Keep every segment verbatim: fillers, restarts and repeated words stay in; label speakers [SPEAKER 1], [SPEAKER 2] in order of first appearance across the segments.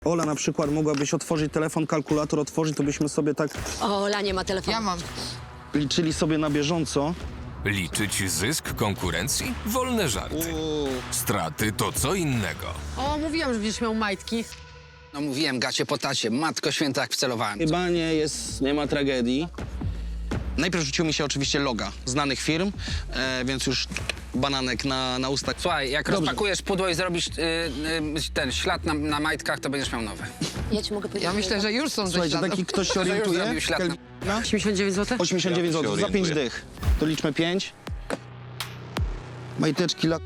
[SPEAKER 1] Ola na przykład mogłabyś otworzyć telefon, kalkulator otworzyć, to byśmy sobie tak
[SPEAKER 2] O, Ola nie ma telefonu.
[SPEAKER 3] Ja mam.
[SPEAKER 1] liczyli sobie na bieżąco.
[SPEAKER 4] Liczyć zysk konkurencji? Wolne żarty. Straty to co innego.
[SPEAKER 3] O, mówiłam, że będziesz miał majtki.
[SPEAKER 5] No mówiłem, gacie po tacie, matko święta, jak wcelowałem.
[SPEAKER 1] Chyba nie jest, nie ma tragedii. Najpierw rzucił mi się oczywiście loga znanych firm, e, więc już bananek na, na ustach.
[SPEAKER 5] Słuchaj, jak
[SPEAKER 1] Dobrze.
[SPEAKER 5] rozpakujesz pudło i zrobisz y, y, ten ślad na, na majtkach, to będziesz miał nowe.
[SPEAKER 2] Ja ci mogę powiedzieć.
[SPEAKER 3] Ja myślę, że już są ze
[SPEAKER 1] Słuchajcie,
[SPEAKER 3] śladem.
[SPEAKER 1] taki ktoś się
[SPEAKER 5] To już
[SPEAKER 1] orientuje.
[SPEAKER 5] zrobił ślad na-
[SPEAKER 1] No?
[SPEAKER 3] osiemdziesiąt dziewięć złotych?
[SPEAKER 1] osiemdziesiąt dziewięć złotych za pięć dych. To liczmy pięć. Majteczki la...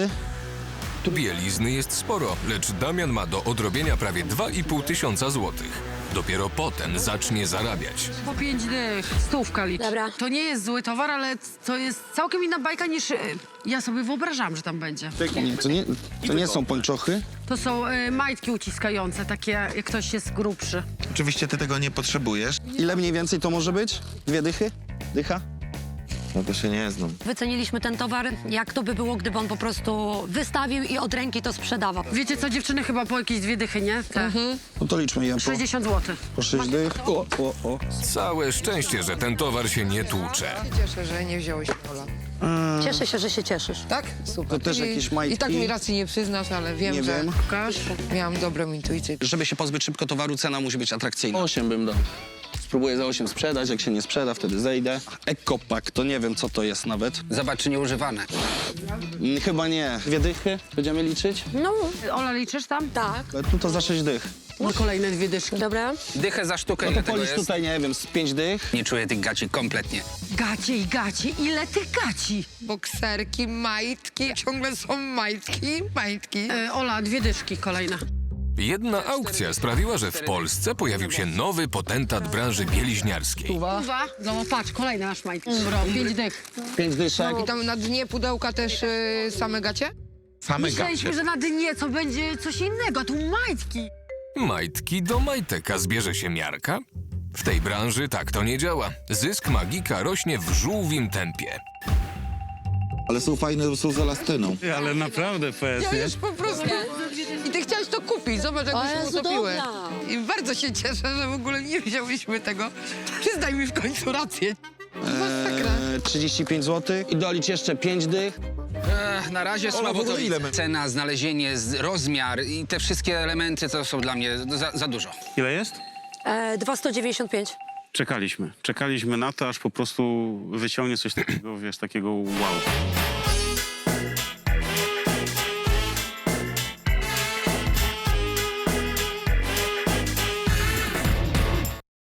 [SPEAKER 4] Bielizny jest sporo, lecz Damian ma do odrobienia prawie dwa i pół tysiąca złotych. Dopiero potem zacznie zarabiać.
[SPEAKER 3] Po pięć dych. Stówka licz.
[SPEAKER 2] Dobra.
[SPEAKER 3] To nie jest zły towar, ale to jest całkiem inna bajka niż y, ja sobie wyobrażam, że tam będzie.
[SPEAKER 1] Nie, to nie, to nie są pończochy.
[SPEAKER 3] To są y, majtki uciskające, takie jak ktoś jest grubszy.
[SPEAKER 6] Oczywiście ty tego nie potrzebujesz.
[SPEAKER 1] Ile mniej więcej to może być? Dwie dychy? Dycha?
[SPEAKER 6] No to się nie znam.
[SPEAKER 2] Wyceniliśmy ten towar, jak to by było, gdyby on po prostu wystawił i od ręki to sprzedawał.
[SPEAKER 3] Wiecie co, dziewczyny chyba po jakieś dwie dychy, nie? Te.
[SPEAKER 1] No to liczmy je po,
[SPEAKER 3] sześćdziesiąt złotych.
[SPEAKER 1] po sześć dych. O, o, o.
[SPEAKER 4] Całe szczęście, że ten towar się nie tłucze.
[SPEAKER 7] Cieszę, że nie wziąłeś Ola.
[SPEAKER 2] Cieszę się, że się cieszysz.
[SPEAKER 7] Tak? Super.
[SPEAKER 1] To też
[SPEAKER 7] I,
[SPEAKER 1] jakieś majtki?
[SPEAKER 7] I tak mi racji nie przyznasz, ale wiem,
[SPEAKER 1] Nie
[SPEAKER 7] że
[SPEAKER 1] wiem.
[SPEAKER 3] Pokaż.
[SPEAKER 7] miałam dobrą intuicję.
[SPEAKER 1] Żeby się pozbyć szybko towaru, cena musi być atrakcyjna. osiem bym dał. Spróbuję za osiem sprzedać, jak się nie sprzeda, wtedy zejdę. Ekopak, to nie wiem, co to jest nawet.
[SPEAKER 5] Zobacz, czy nieużywane.
[SPEAKER 1] Mm, Chyba nie. Dwie dychy będziemy liczyć?
[SPEAKER 2] No,
[SPEAKER 3] Ola, liczysz tam?
[SPEAKER 2] tak.
[SPEAKER 1] Ale tu to za sześć dych.
[SPEAKER 3] No kolejne dwie dyszki.
[SPEAKER 2] Dobra.
[SPEAKER 5] Dychę za sztukę,
[SPEAKER 1] No
[SPEAKER 5] ile
[SPEAKER 1] to
[SPEAKER 5] tego
[SPEAKER 1] policz
[SPEAKER 5] jest?
[SPEAKER 1] tutaj, nie wiem, z pięć dych.
[SPEAKER 5] Nie czuję tych gaci kompletnie.
[SPEAKER 3] Gacie i gacie, ile tych gaci?
[SPEAKER 7] Bokserki, majtki, ciągle są majtki, majtki.
[SPEAKER 3] E, Ola, dwie dyszki kolejne.
[SPEAKER 4] Jedna aukcja sprawiła, że w Polsce pojawił się nowy potentat branży bieliźniarskiej.
[SPEAKER 3] Uwa. No patrz, kolejne masz majtki. Dobra, pięć dych.
[SPEAKER 1] Pięć dyszek.
[SPEAKER 7] I tam na dnie pudełka też y, same gacie?
[SPEAKER 6] Same
[SPEAKER 3] Myśleliśmy,
[SPEAKER 6] gacie.
[SPEAKER 3] że na dnie co będzie coś innego, a tu majtki.
[SPEAKER 4] Majtki do majtek, a zbierze się miarka? W tej branży tak to nie działa. Zysk magika rośnie w żółwim tempie.
[SPEAKER 6] Ale są fajne, są z elastyną.
[SPEAKER 8] Ale naprawdę P S,
[SPEAKER 7] Ja
[SPEAKER 8] nie?
[SPEAKER 7] już po prostu... I ty chciałeś to kupić, zobacz jak
[SPEAKER 2] O
[SPEAKER 7] my się
[SPEAKER 2] Jezu,
[SPEAKER 7] utopiły.
[SPEAKER 2] dobra.
[SPEAKER 7] I bardzo się cieszę, że w ogóle nie wzięłyśmy tego. Przyznaj mi w końcu rację. Masakra.
[SPEAKER 1] Eee, trzydzieści pięć złotych. I dolicz jeszcze pięć dych.
[SPEAKER 5] Ech, na razie słabo
[SPEAKER 6] w ogóle
[SPEAKER 5] to
[SPEAKER 6] ile
[SPEAKER 5] widzę.
[SPEAKER 6] my-
[SPEAKER 5] Cena, znalezienie, z- rozmiar i te wszystkie elementy to są dla mnie za, za dużo.
[SPEAKER 8] Ile jest?
[SPEAKER 2] E, dwa sto dziewięćdziesiąt pięć.
[SPEAKER 8] Czekaliśmy. Czekaliśmy na to, aż po prostu wyciągnie coś takiego, wiesz, takiego wow.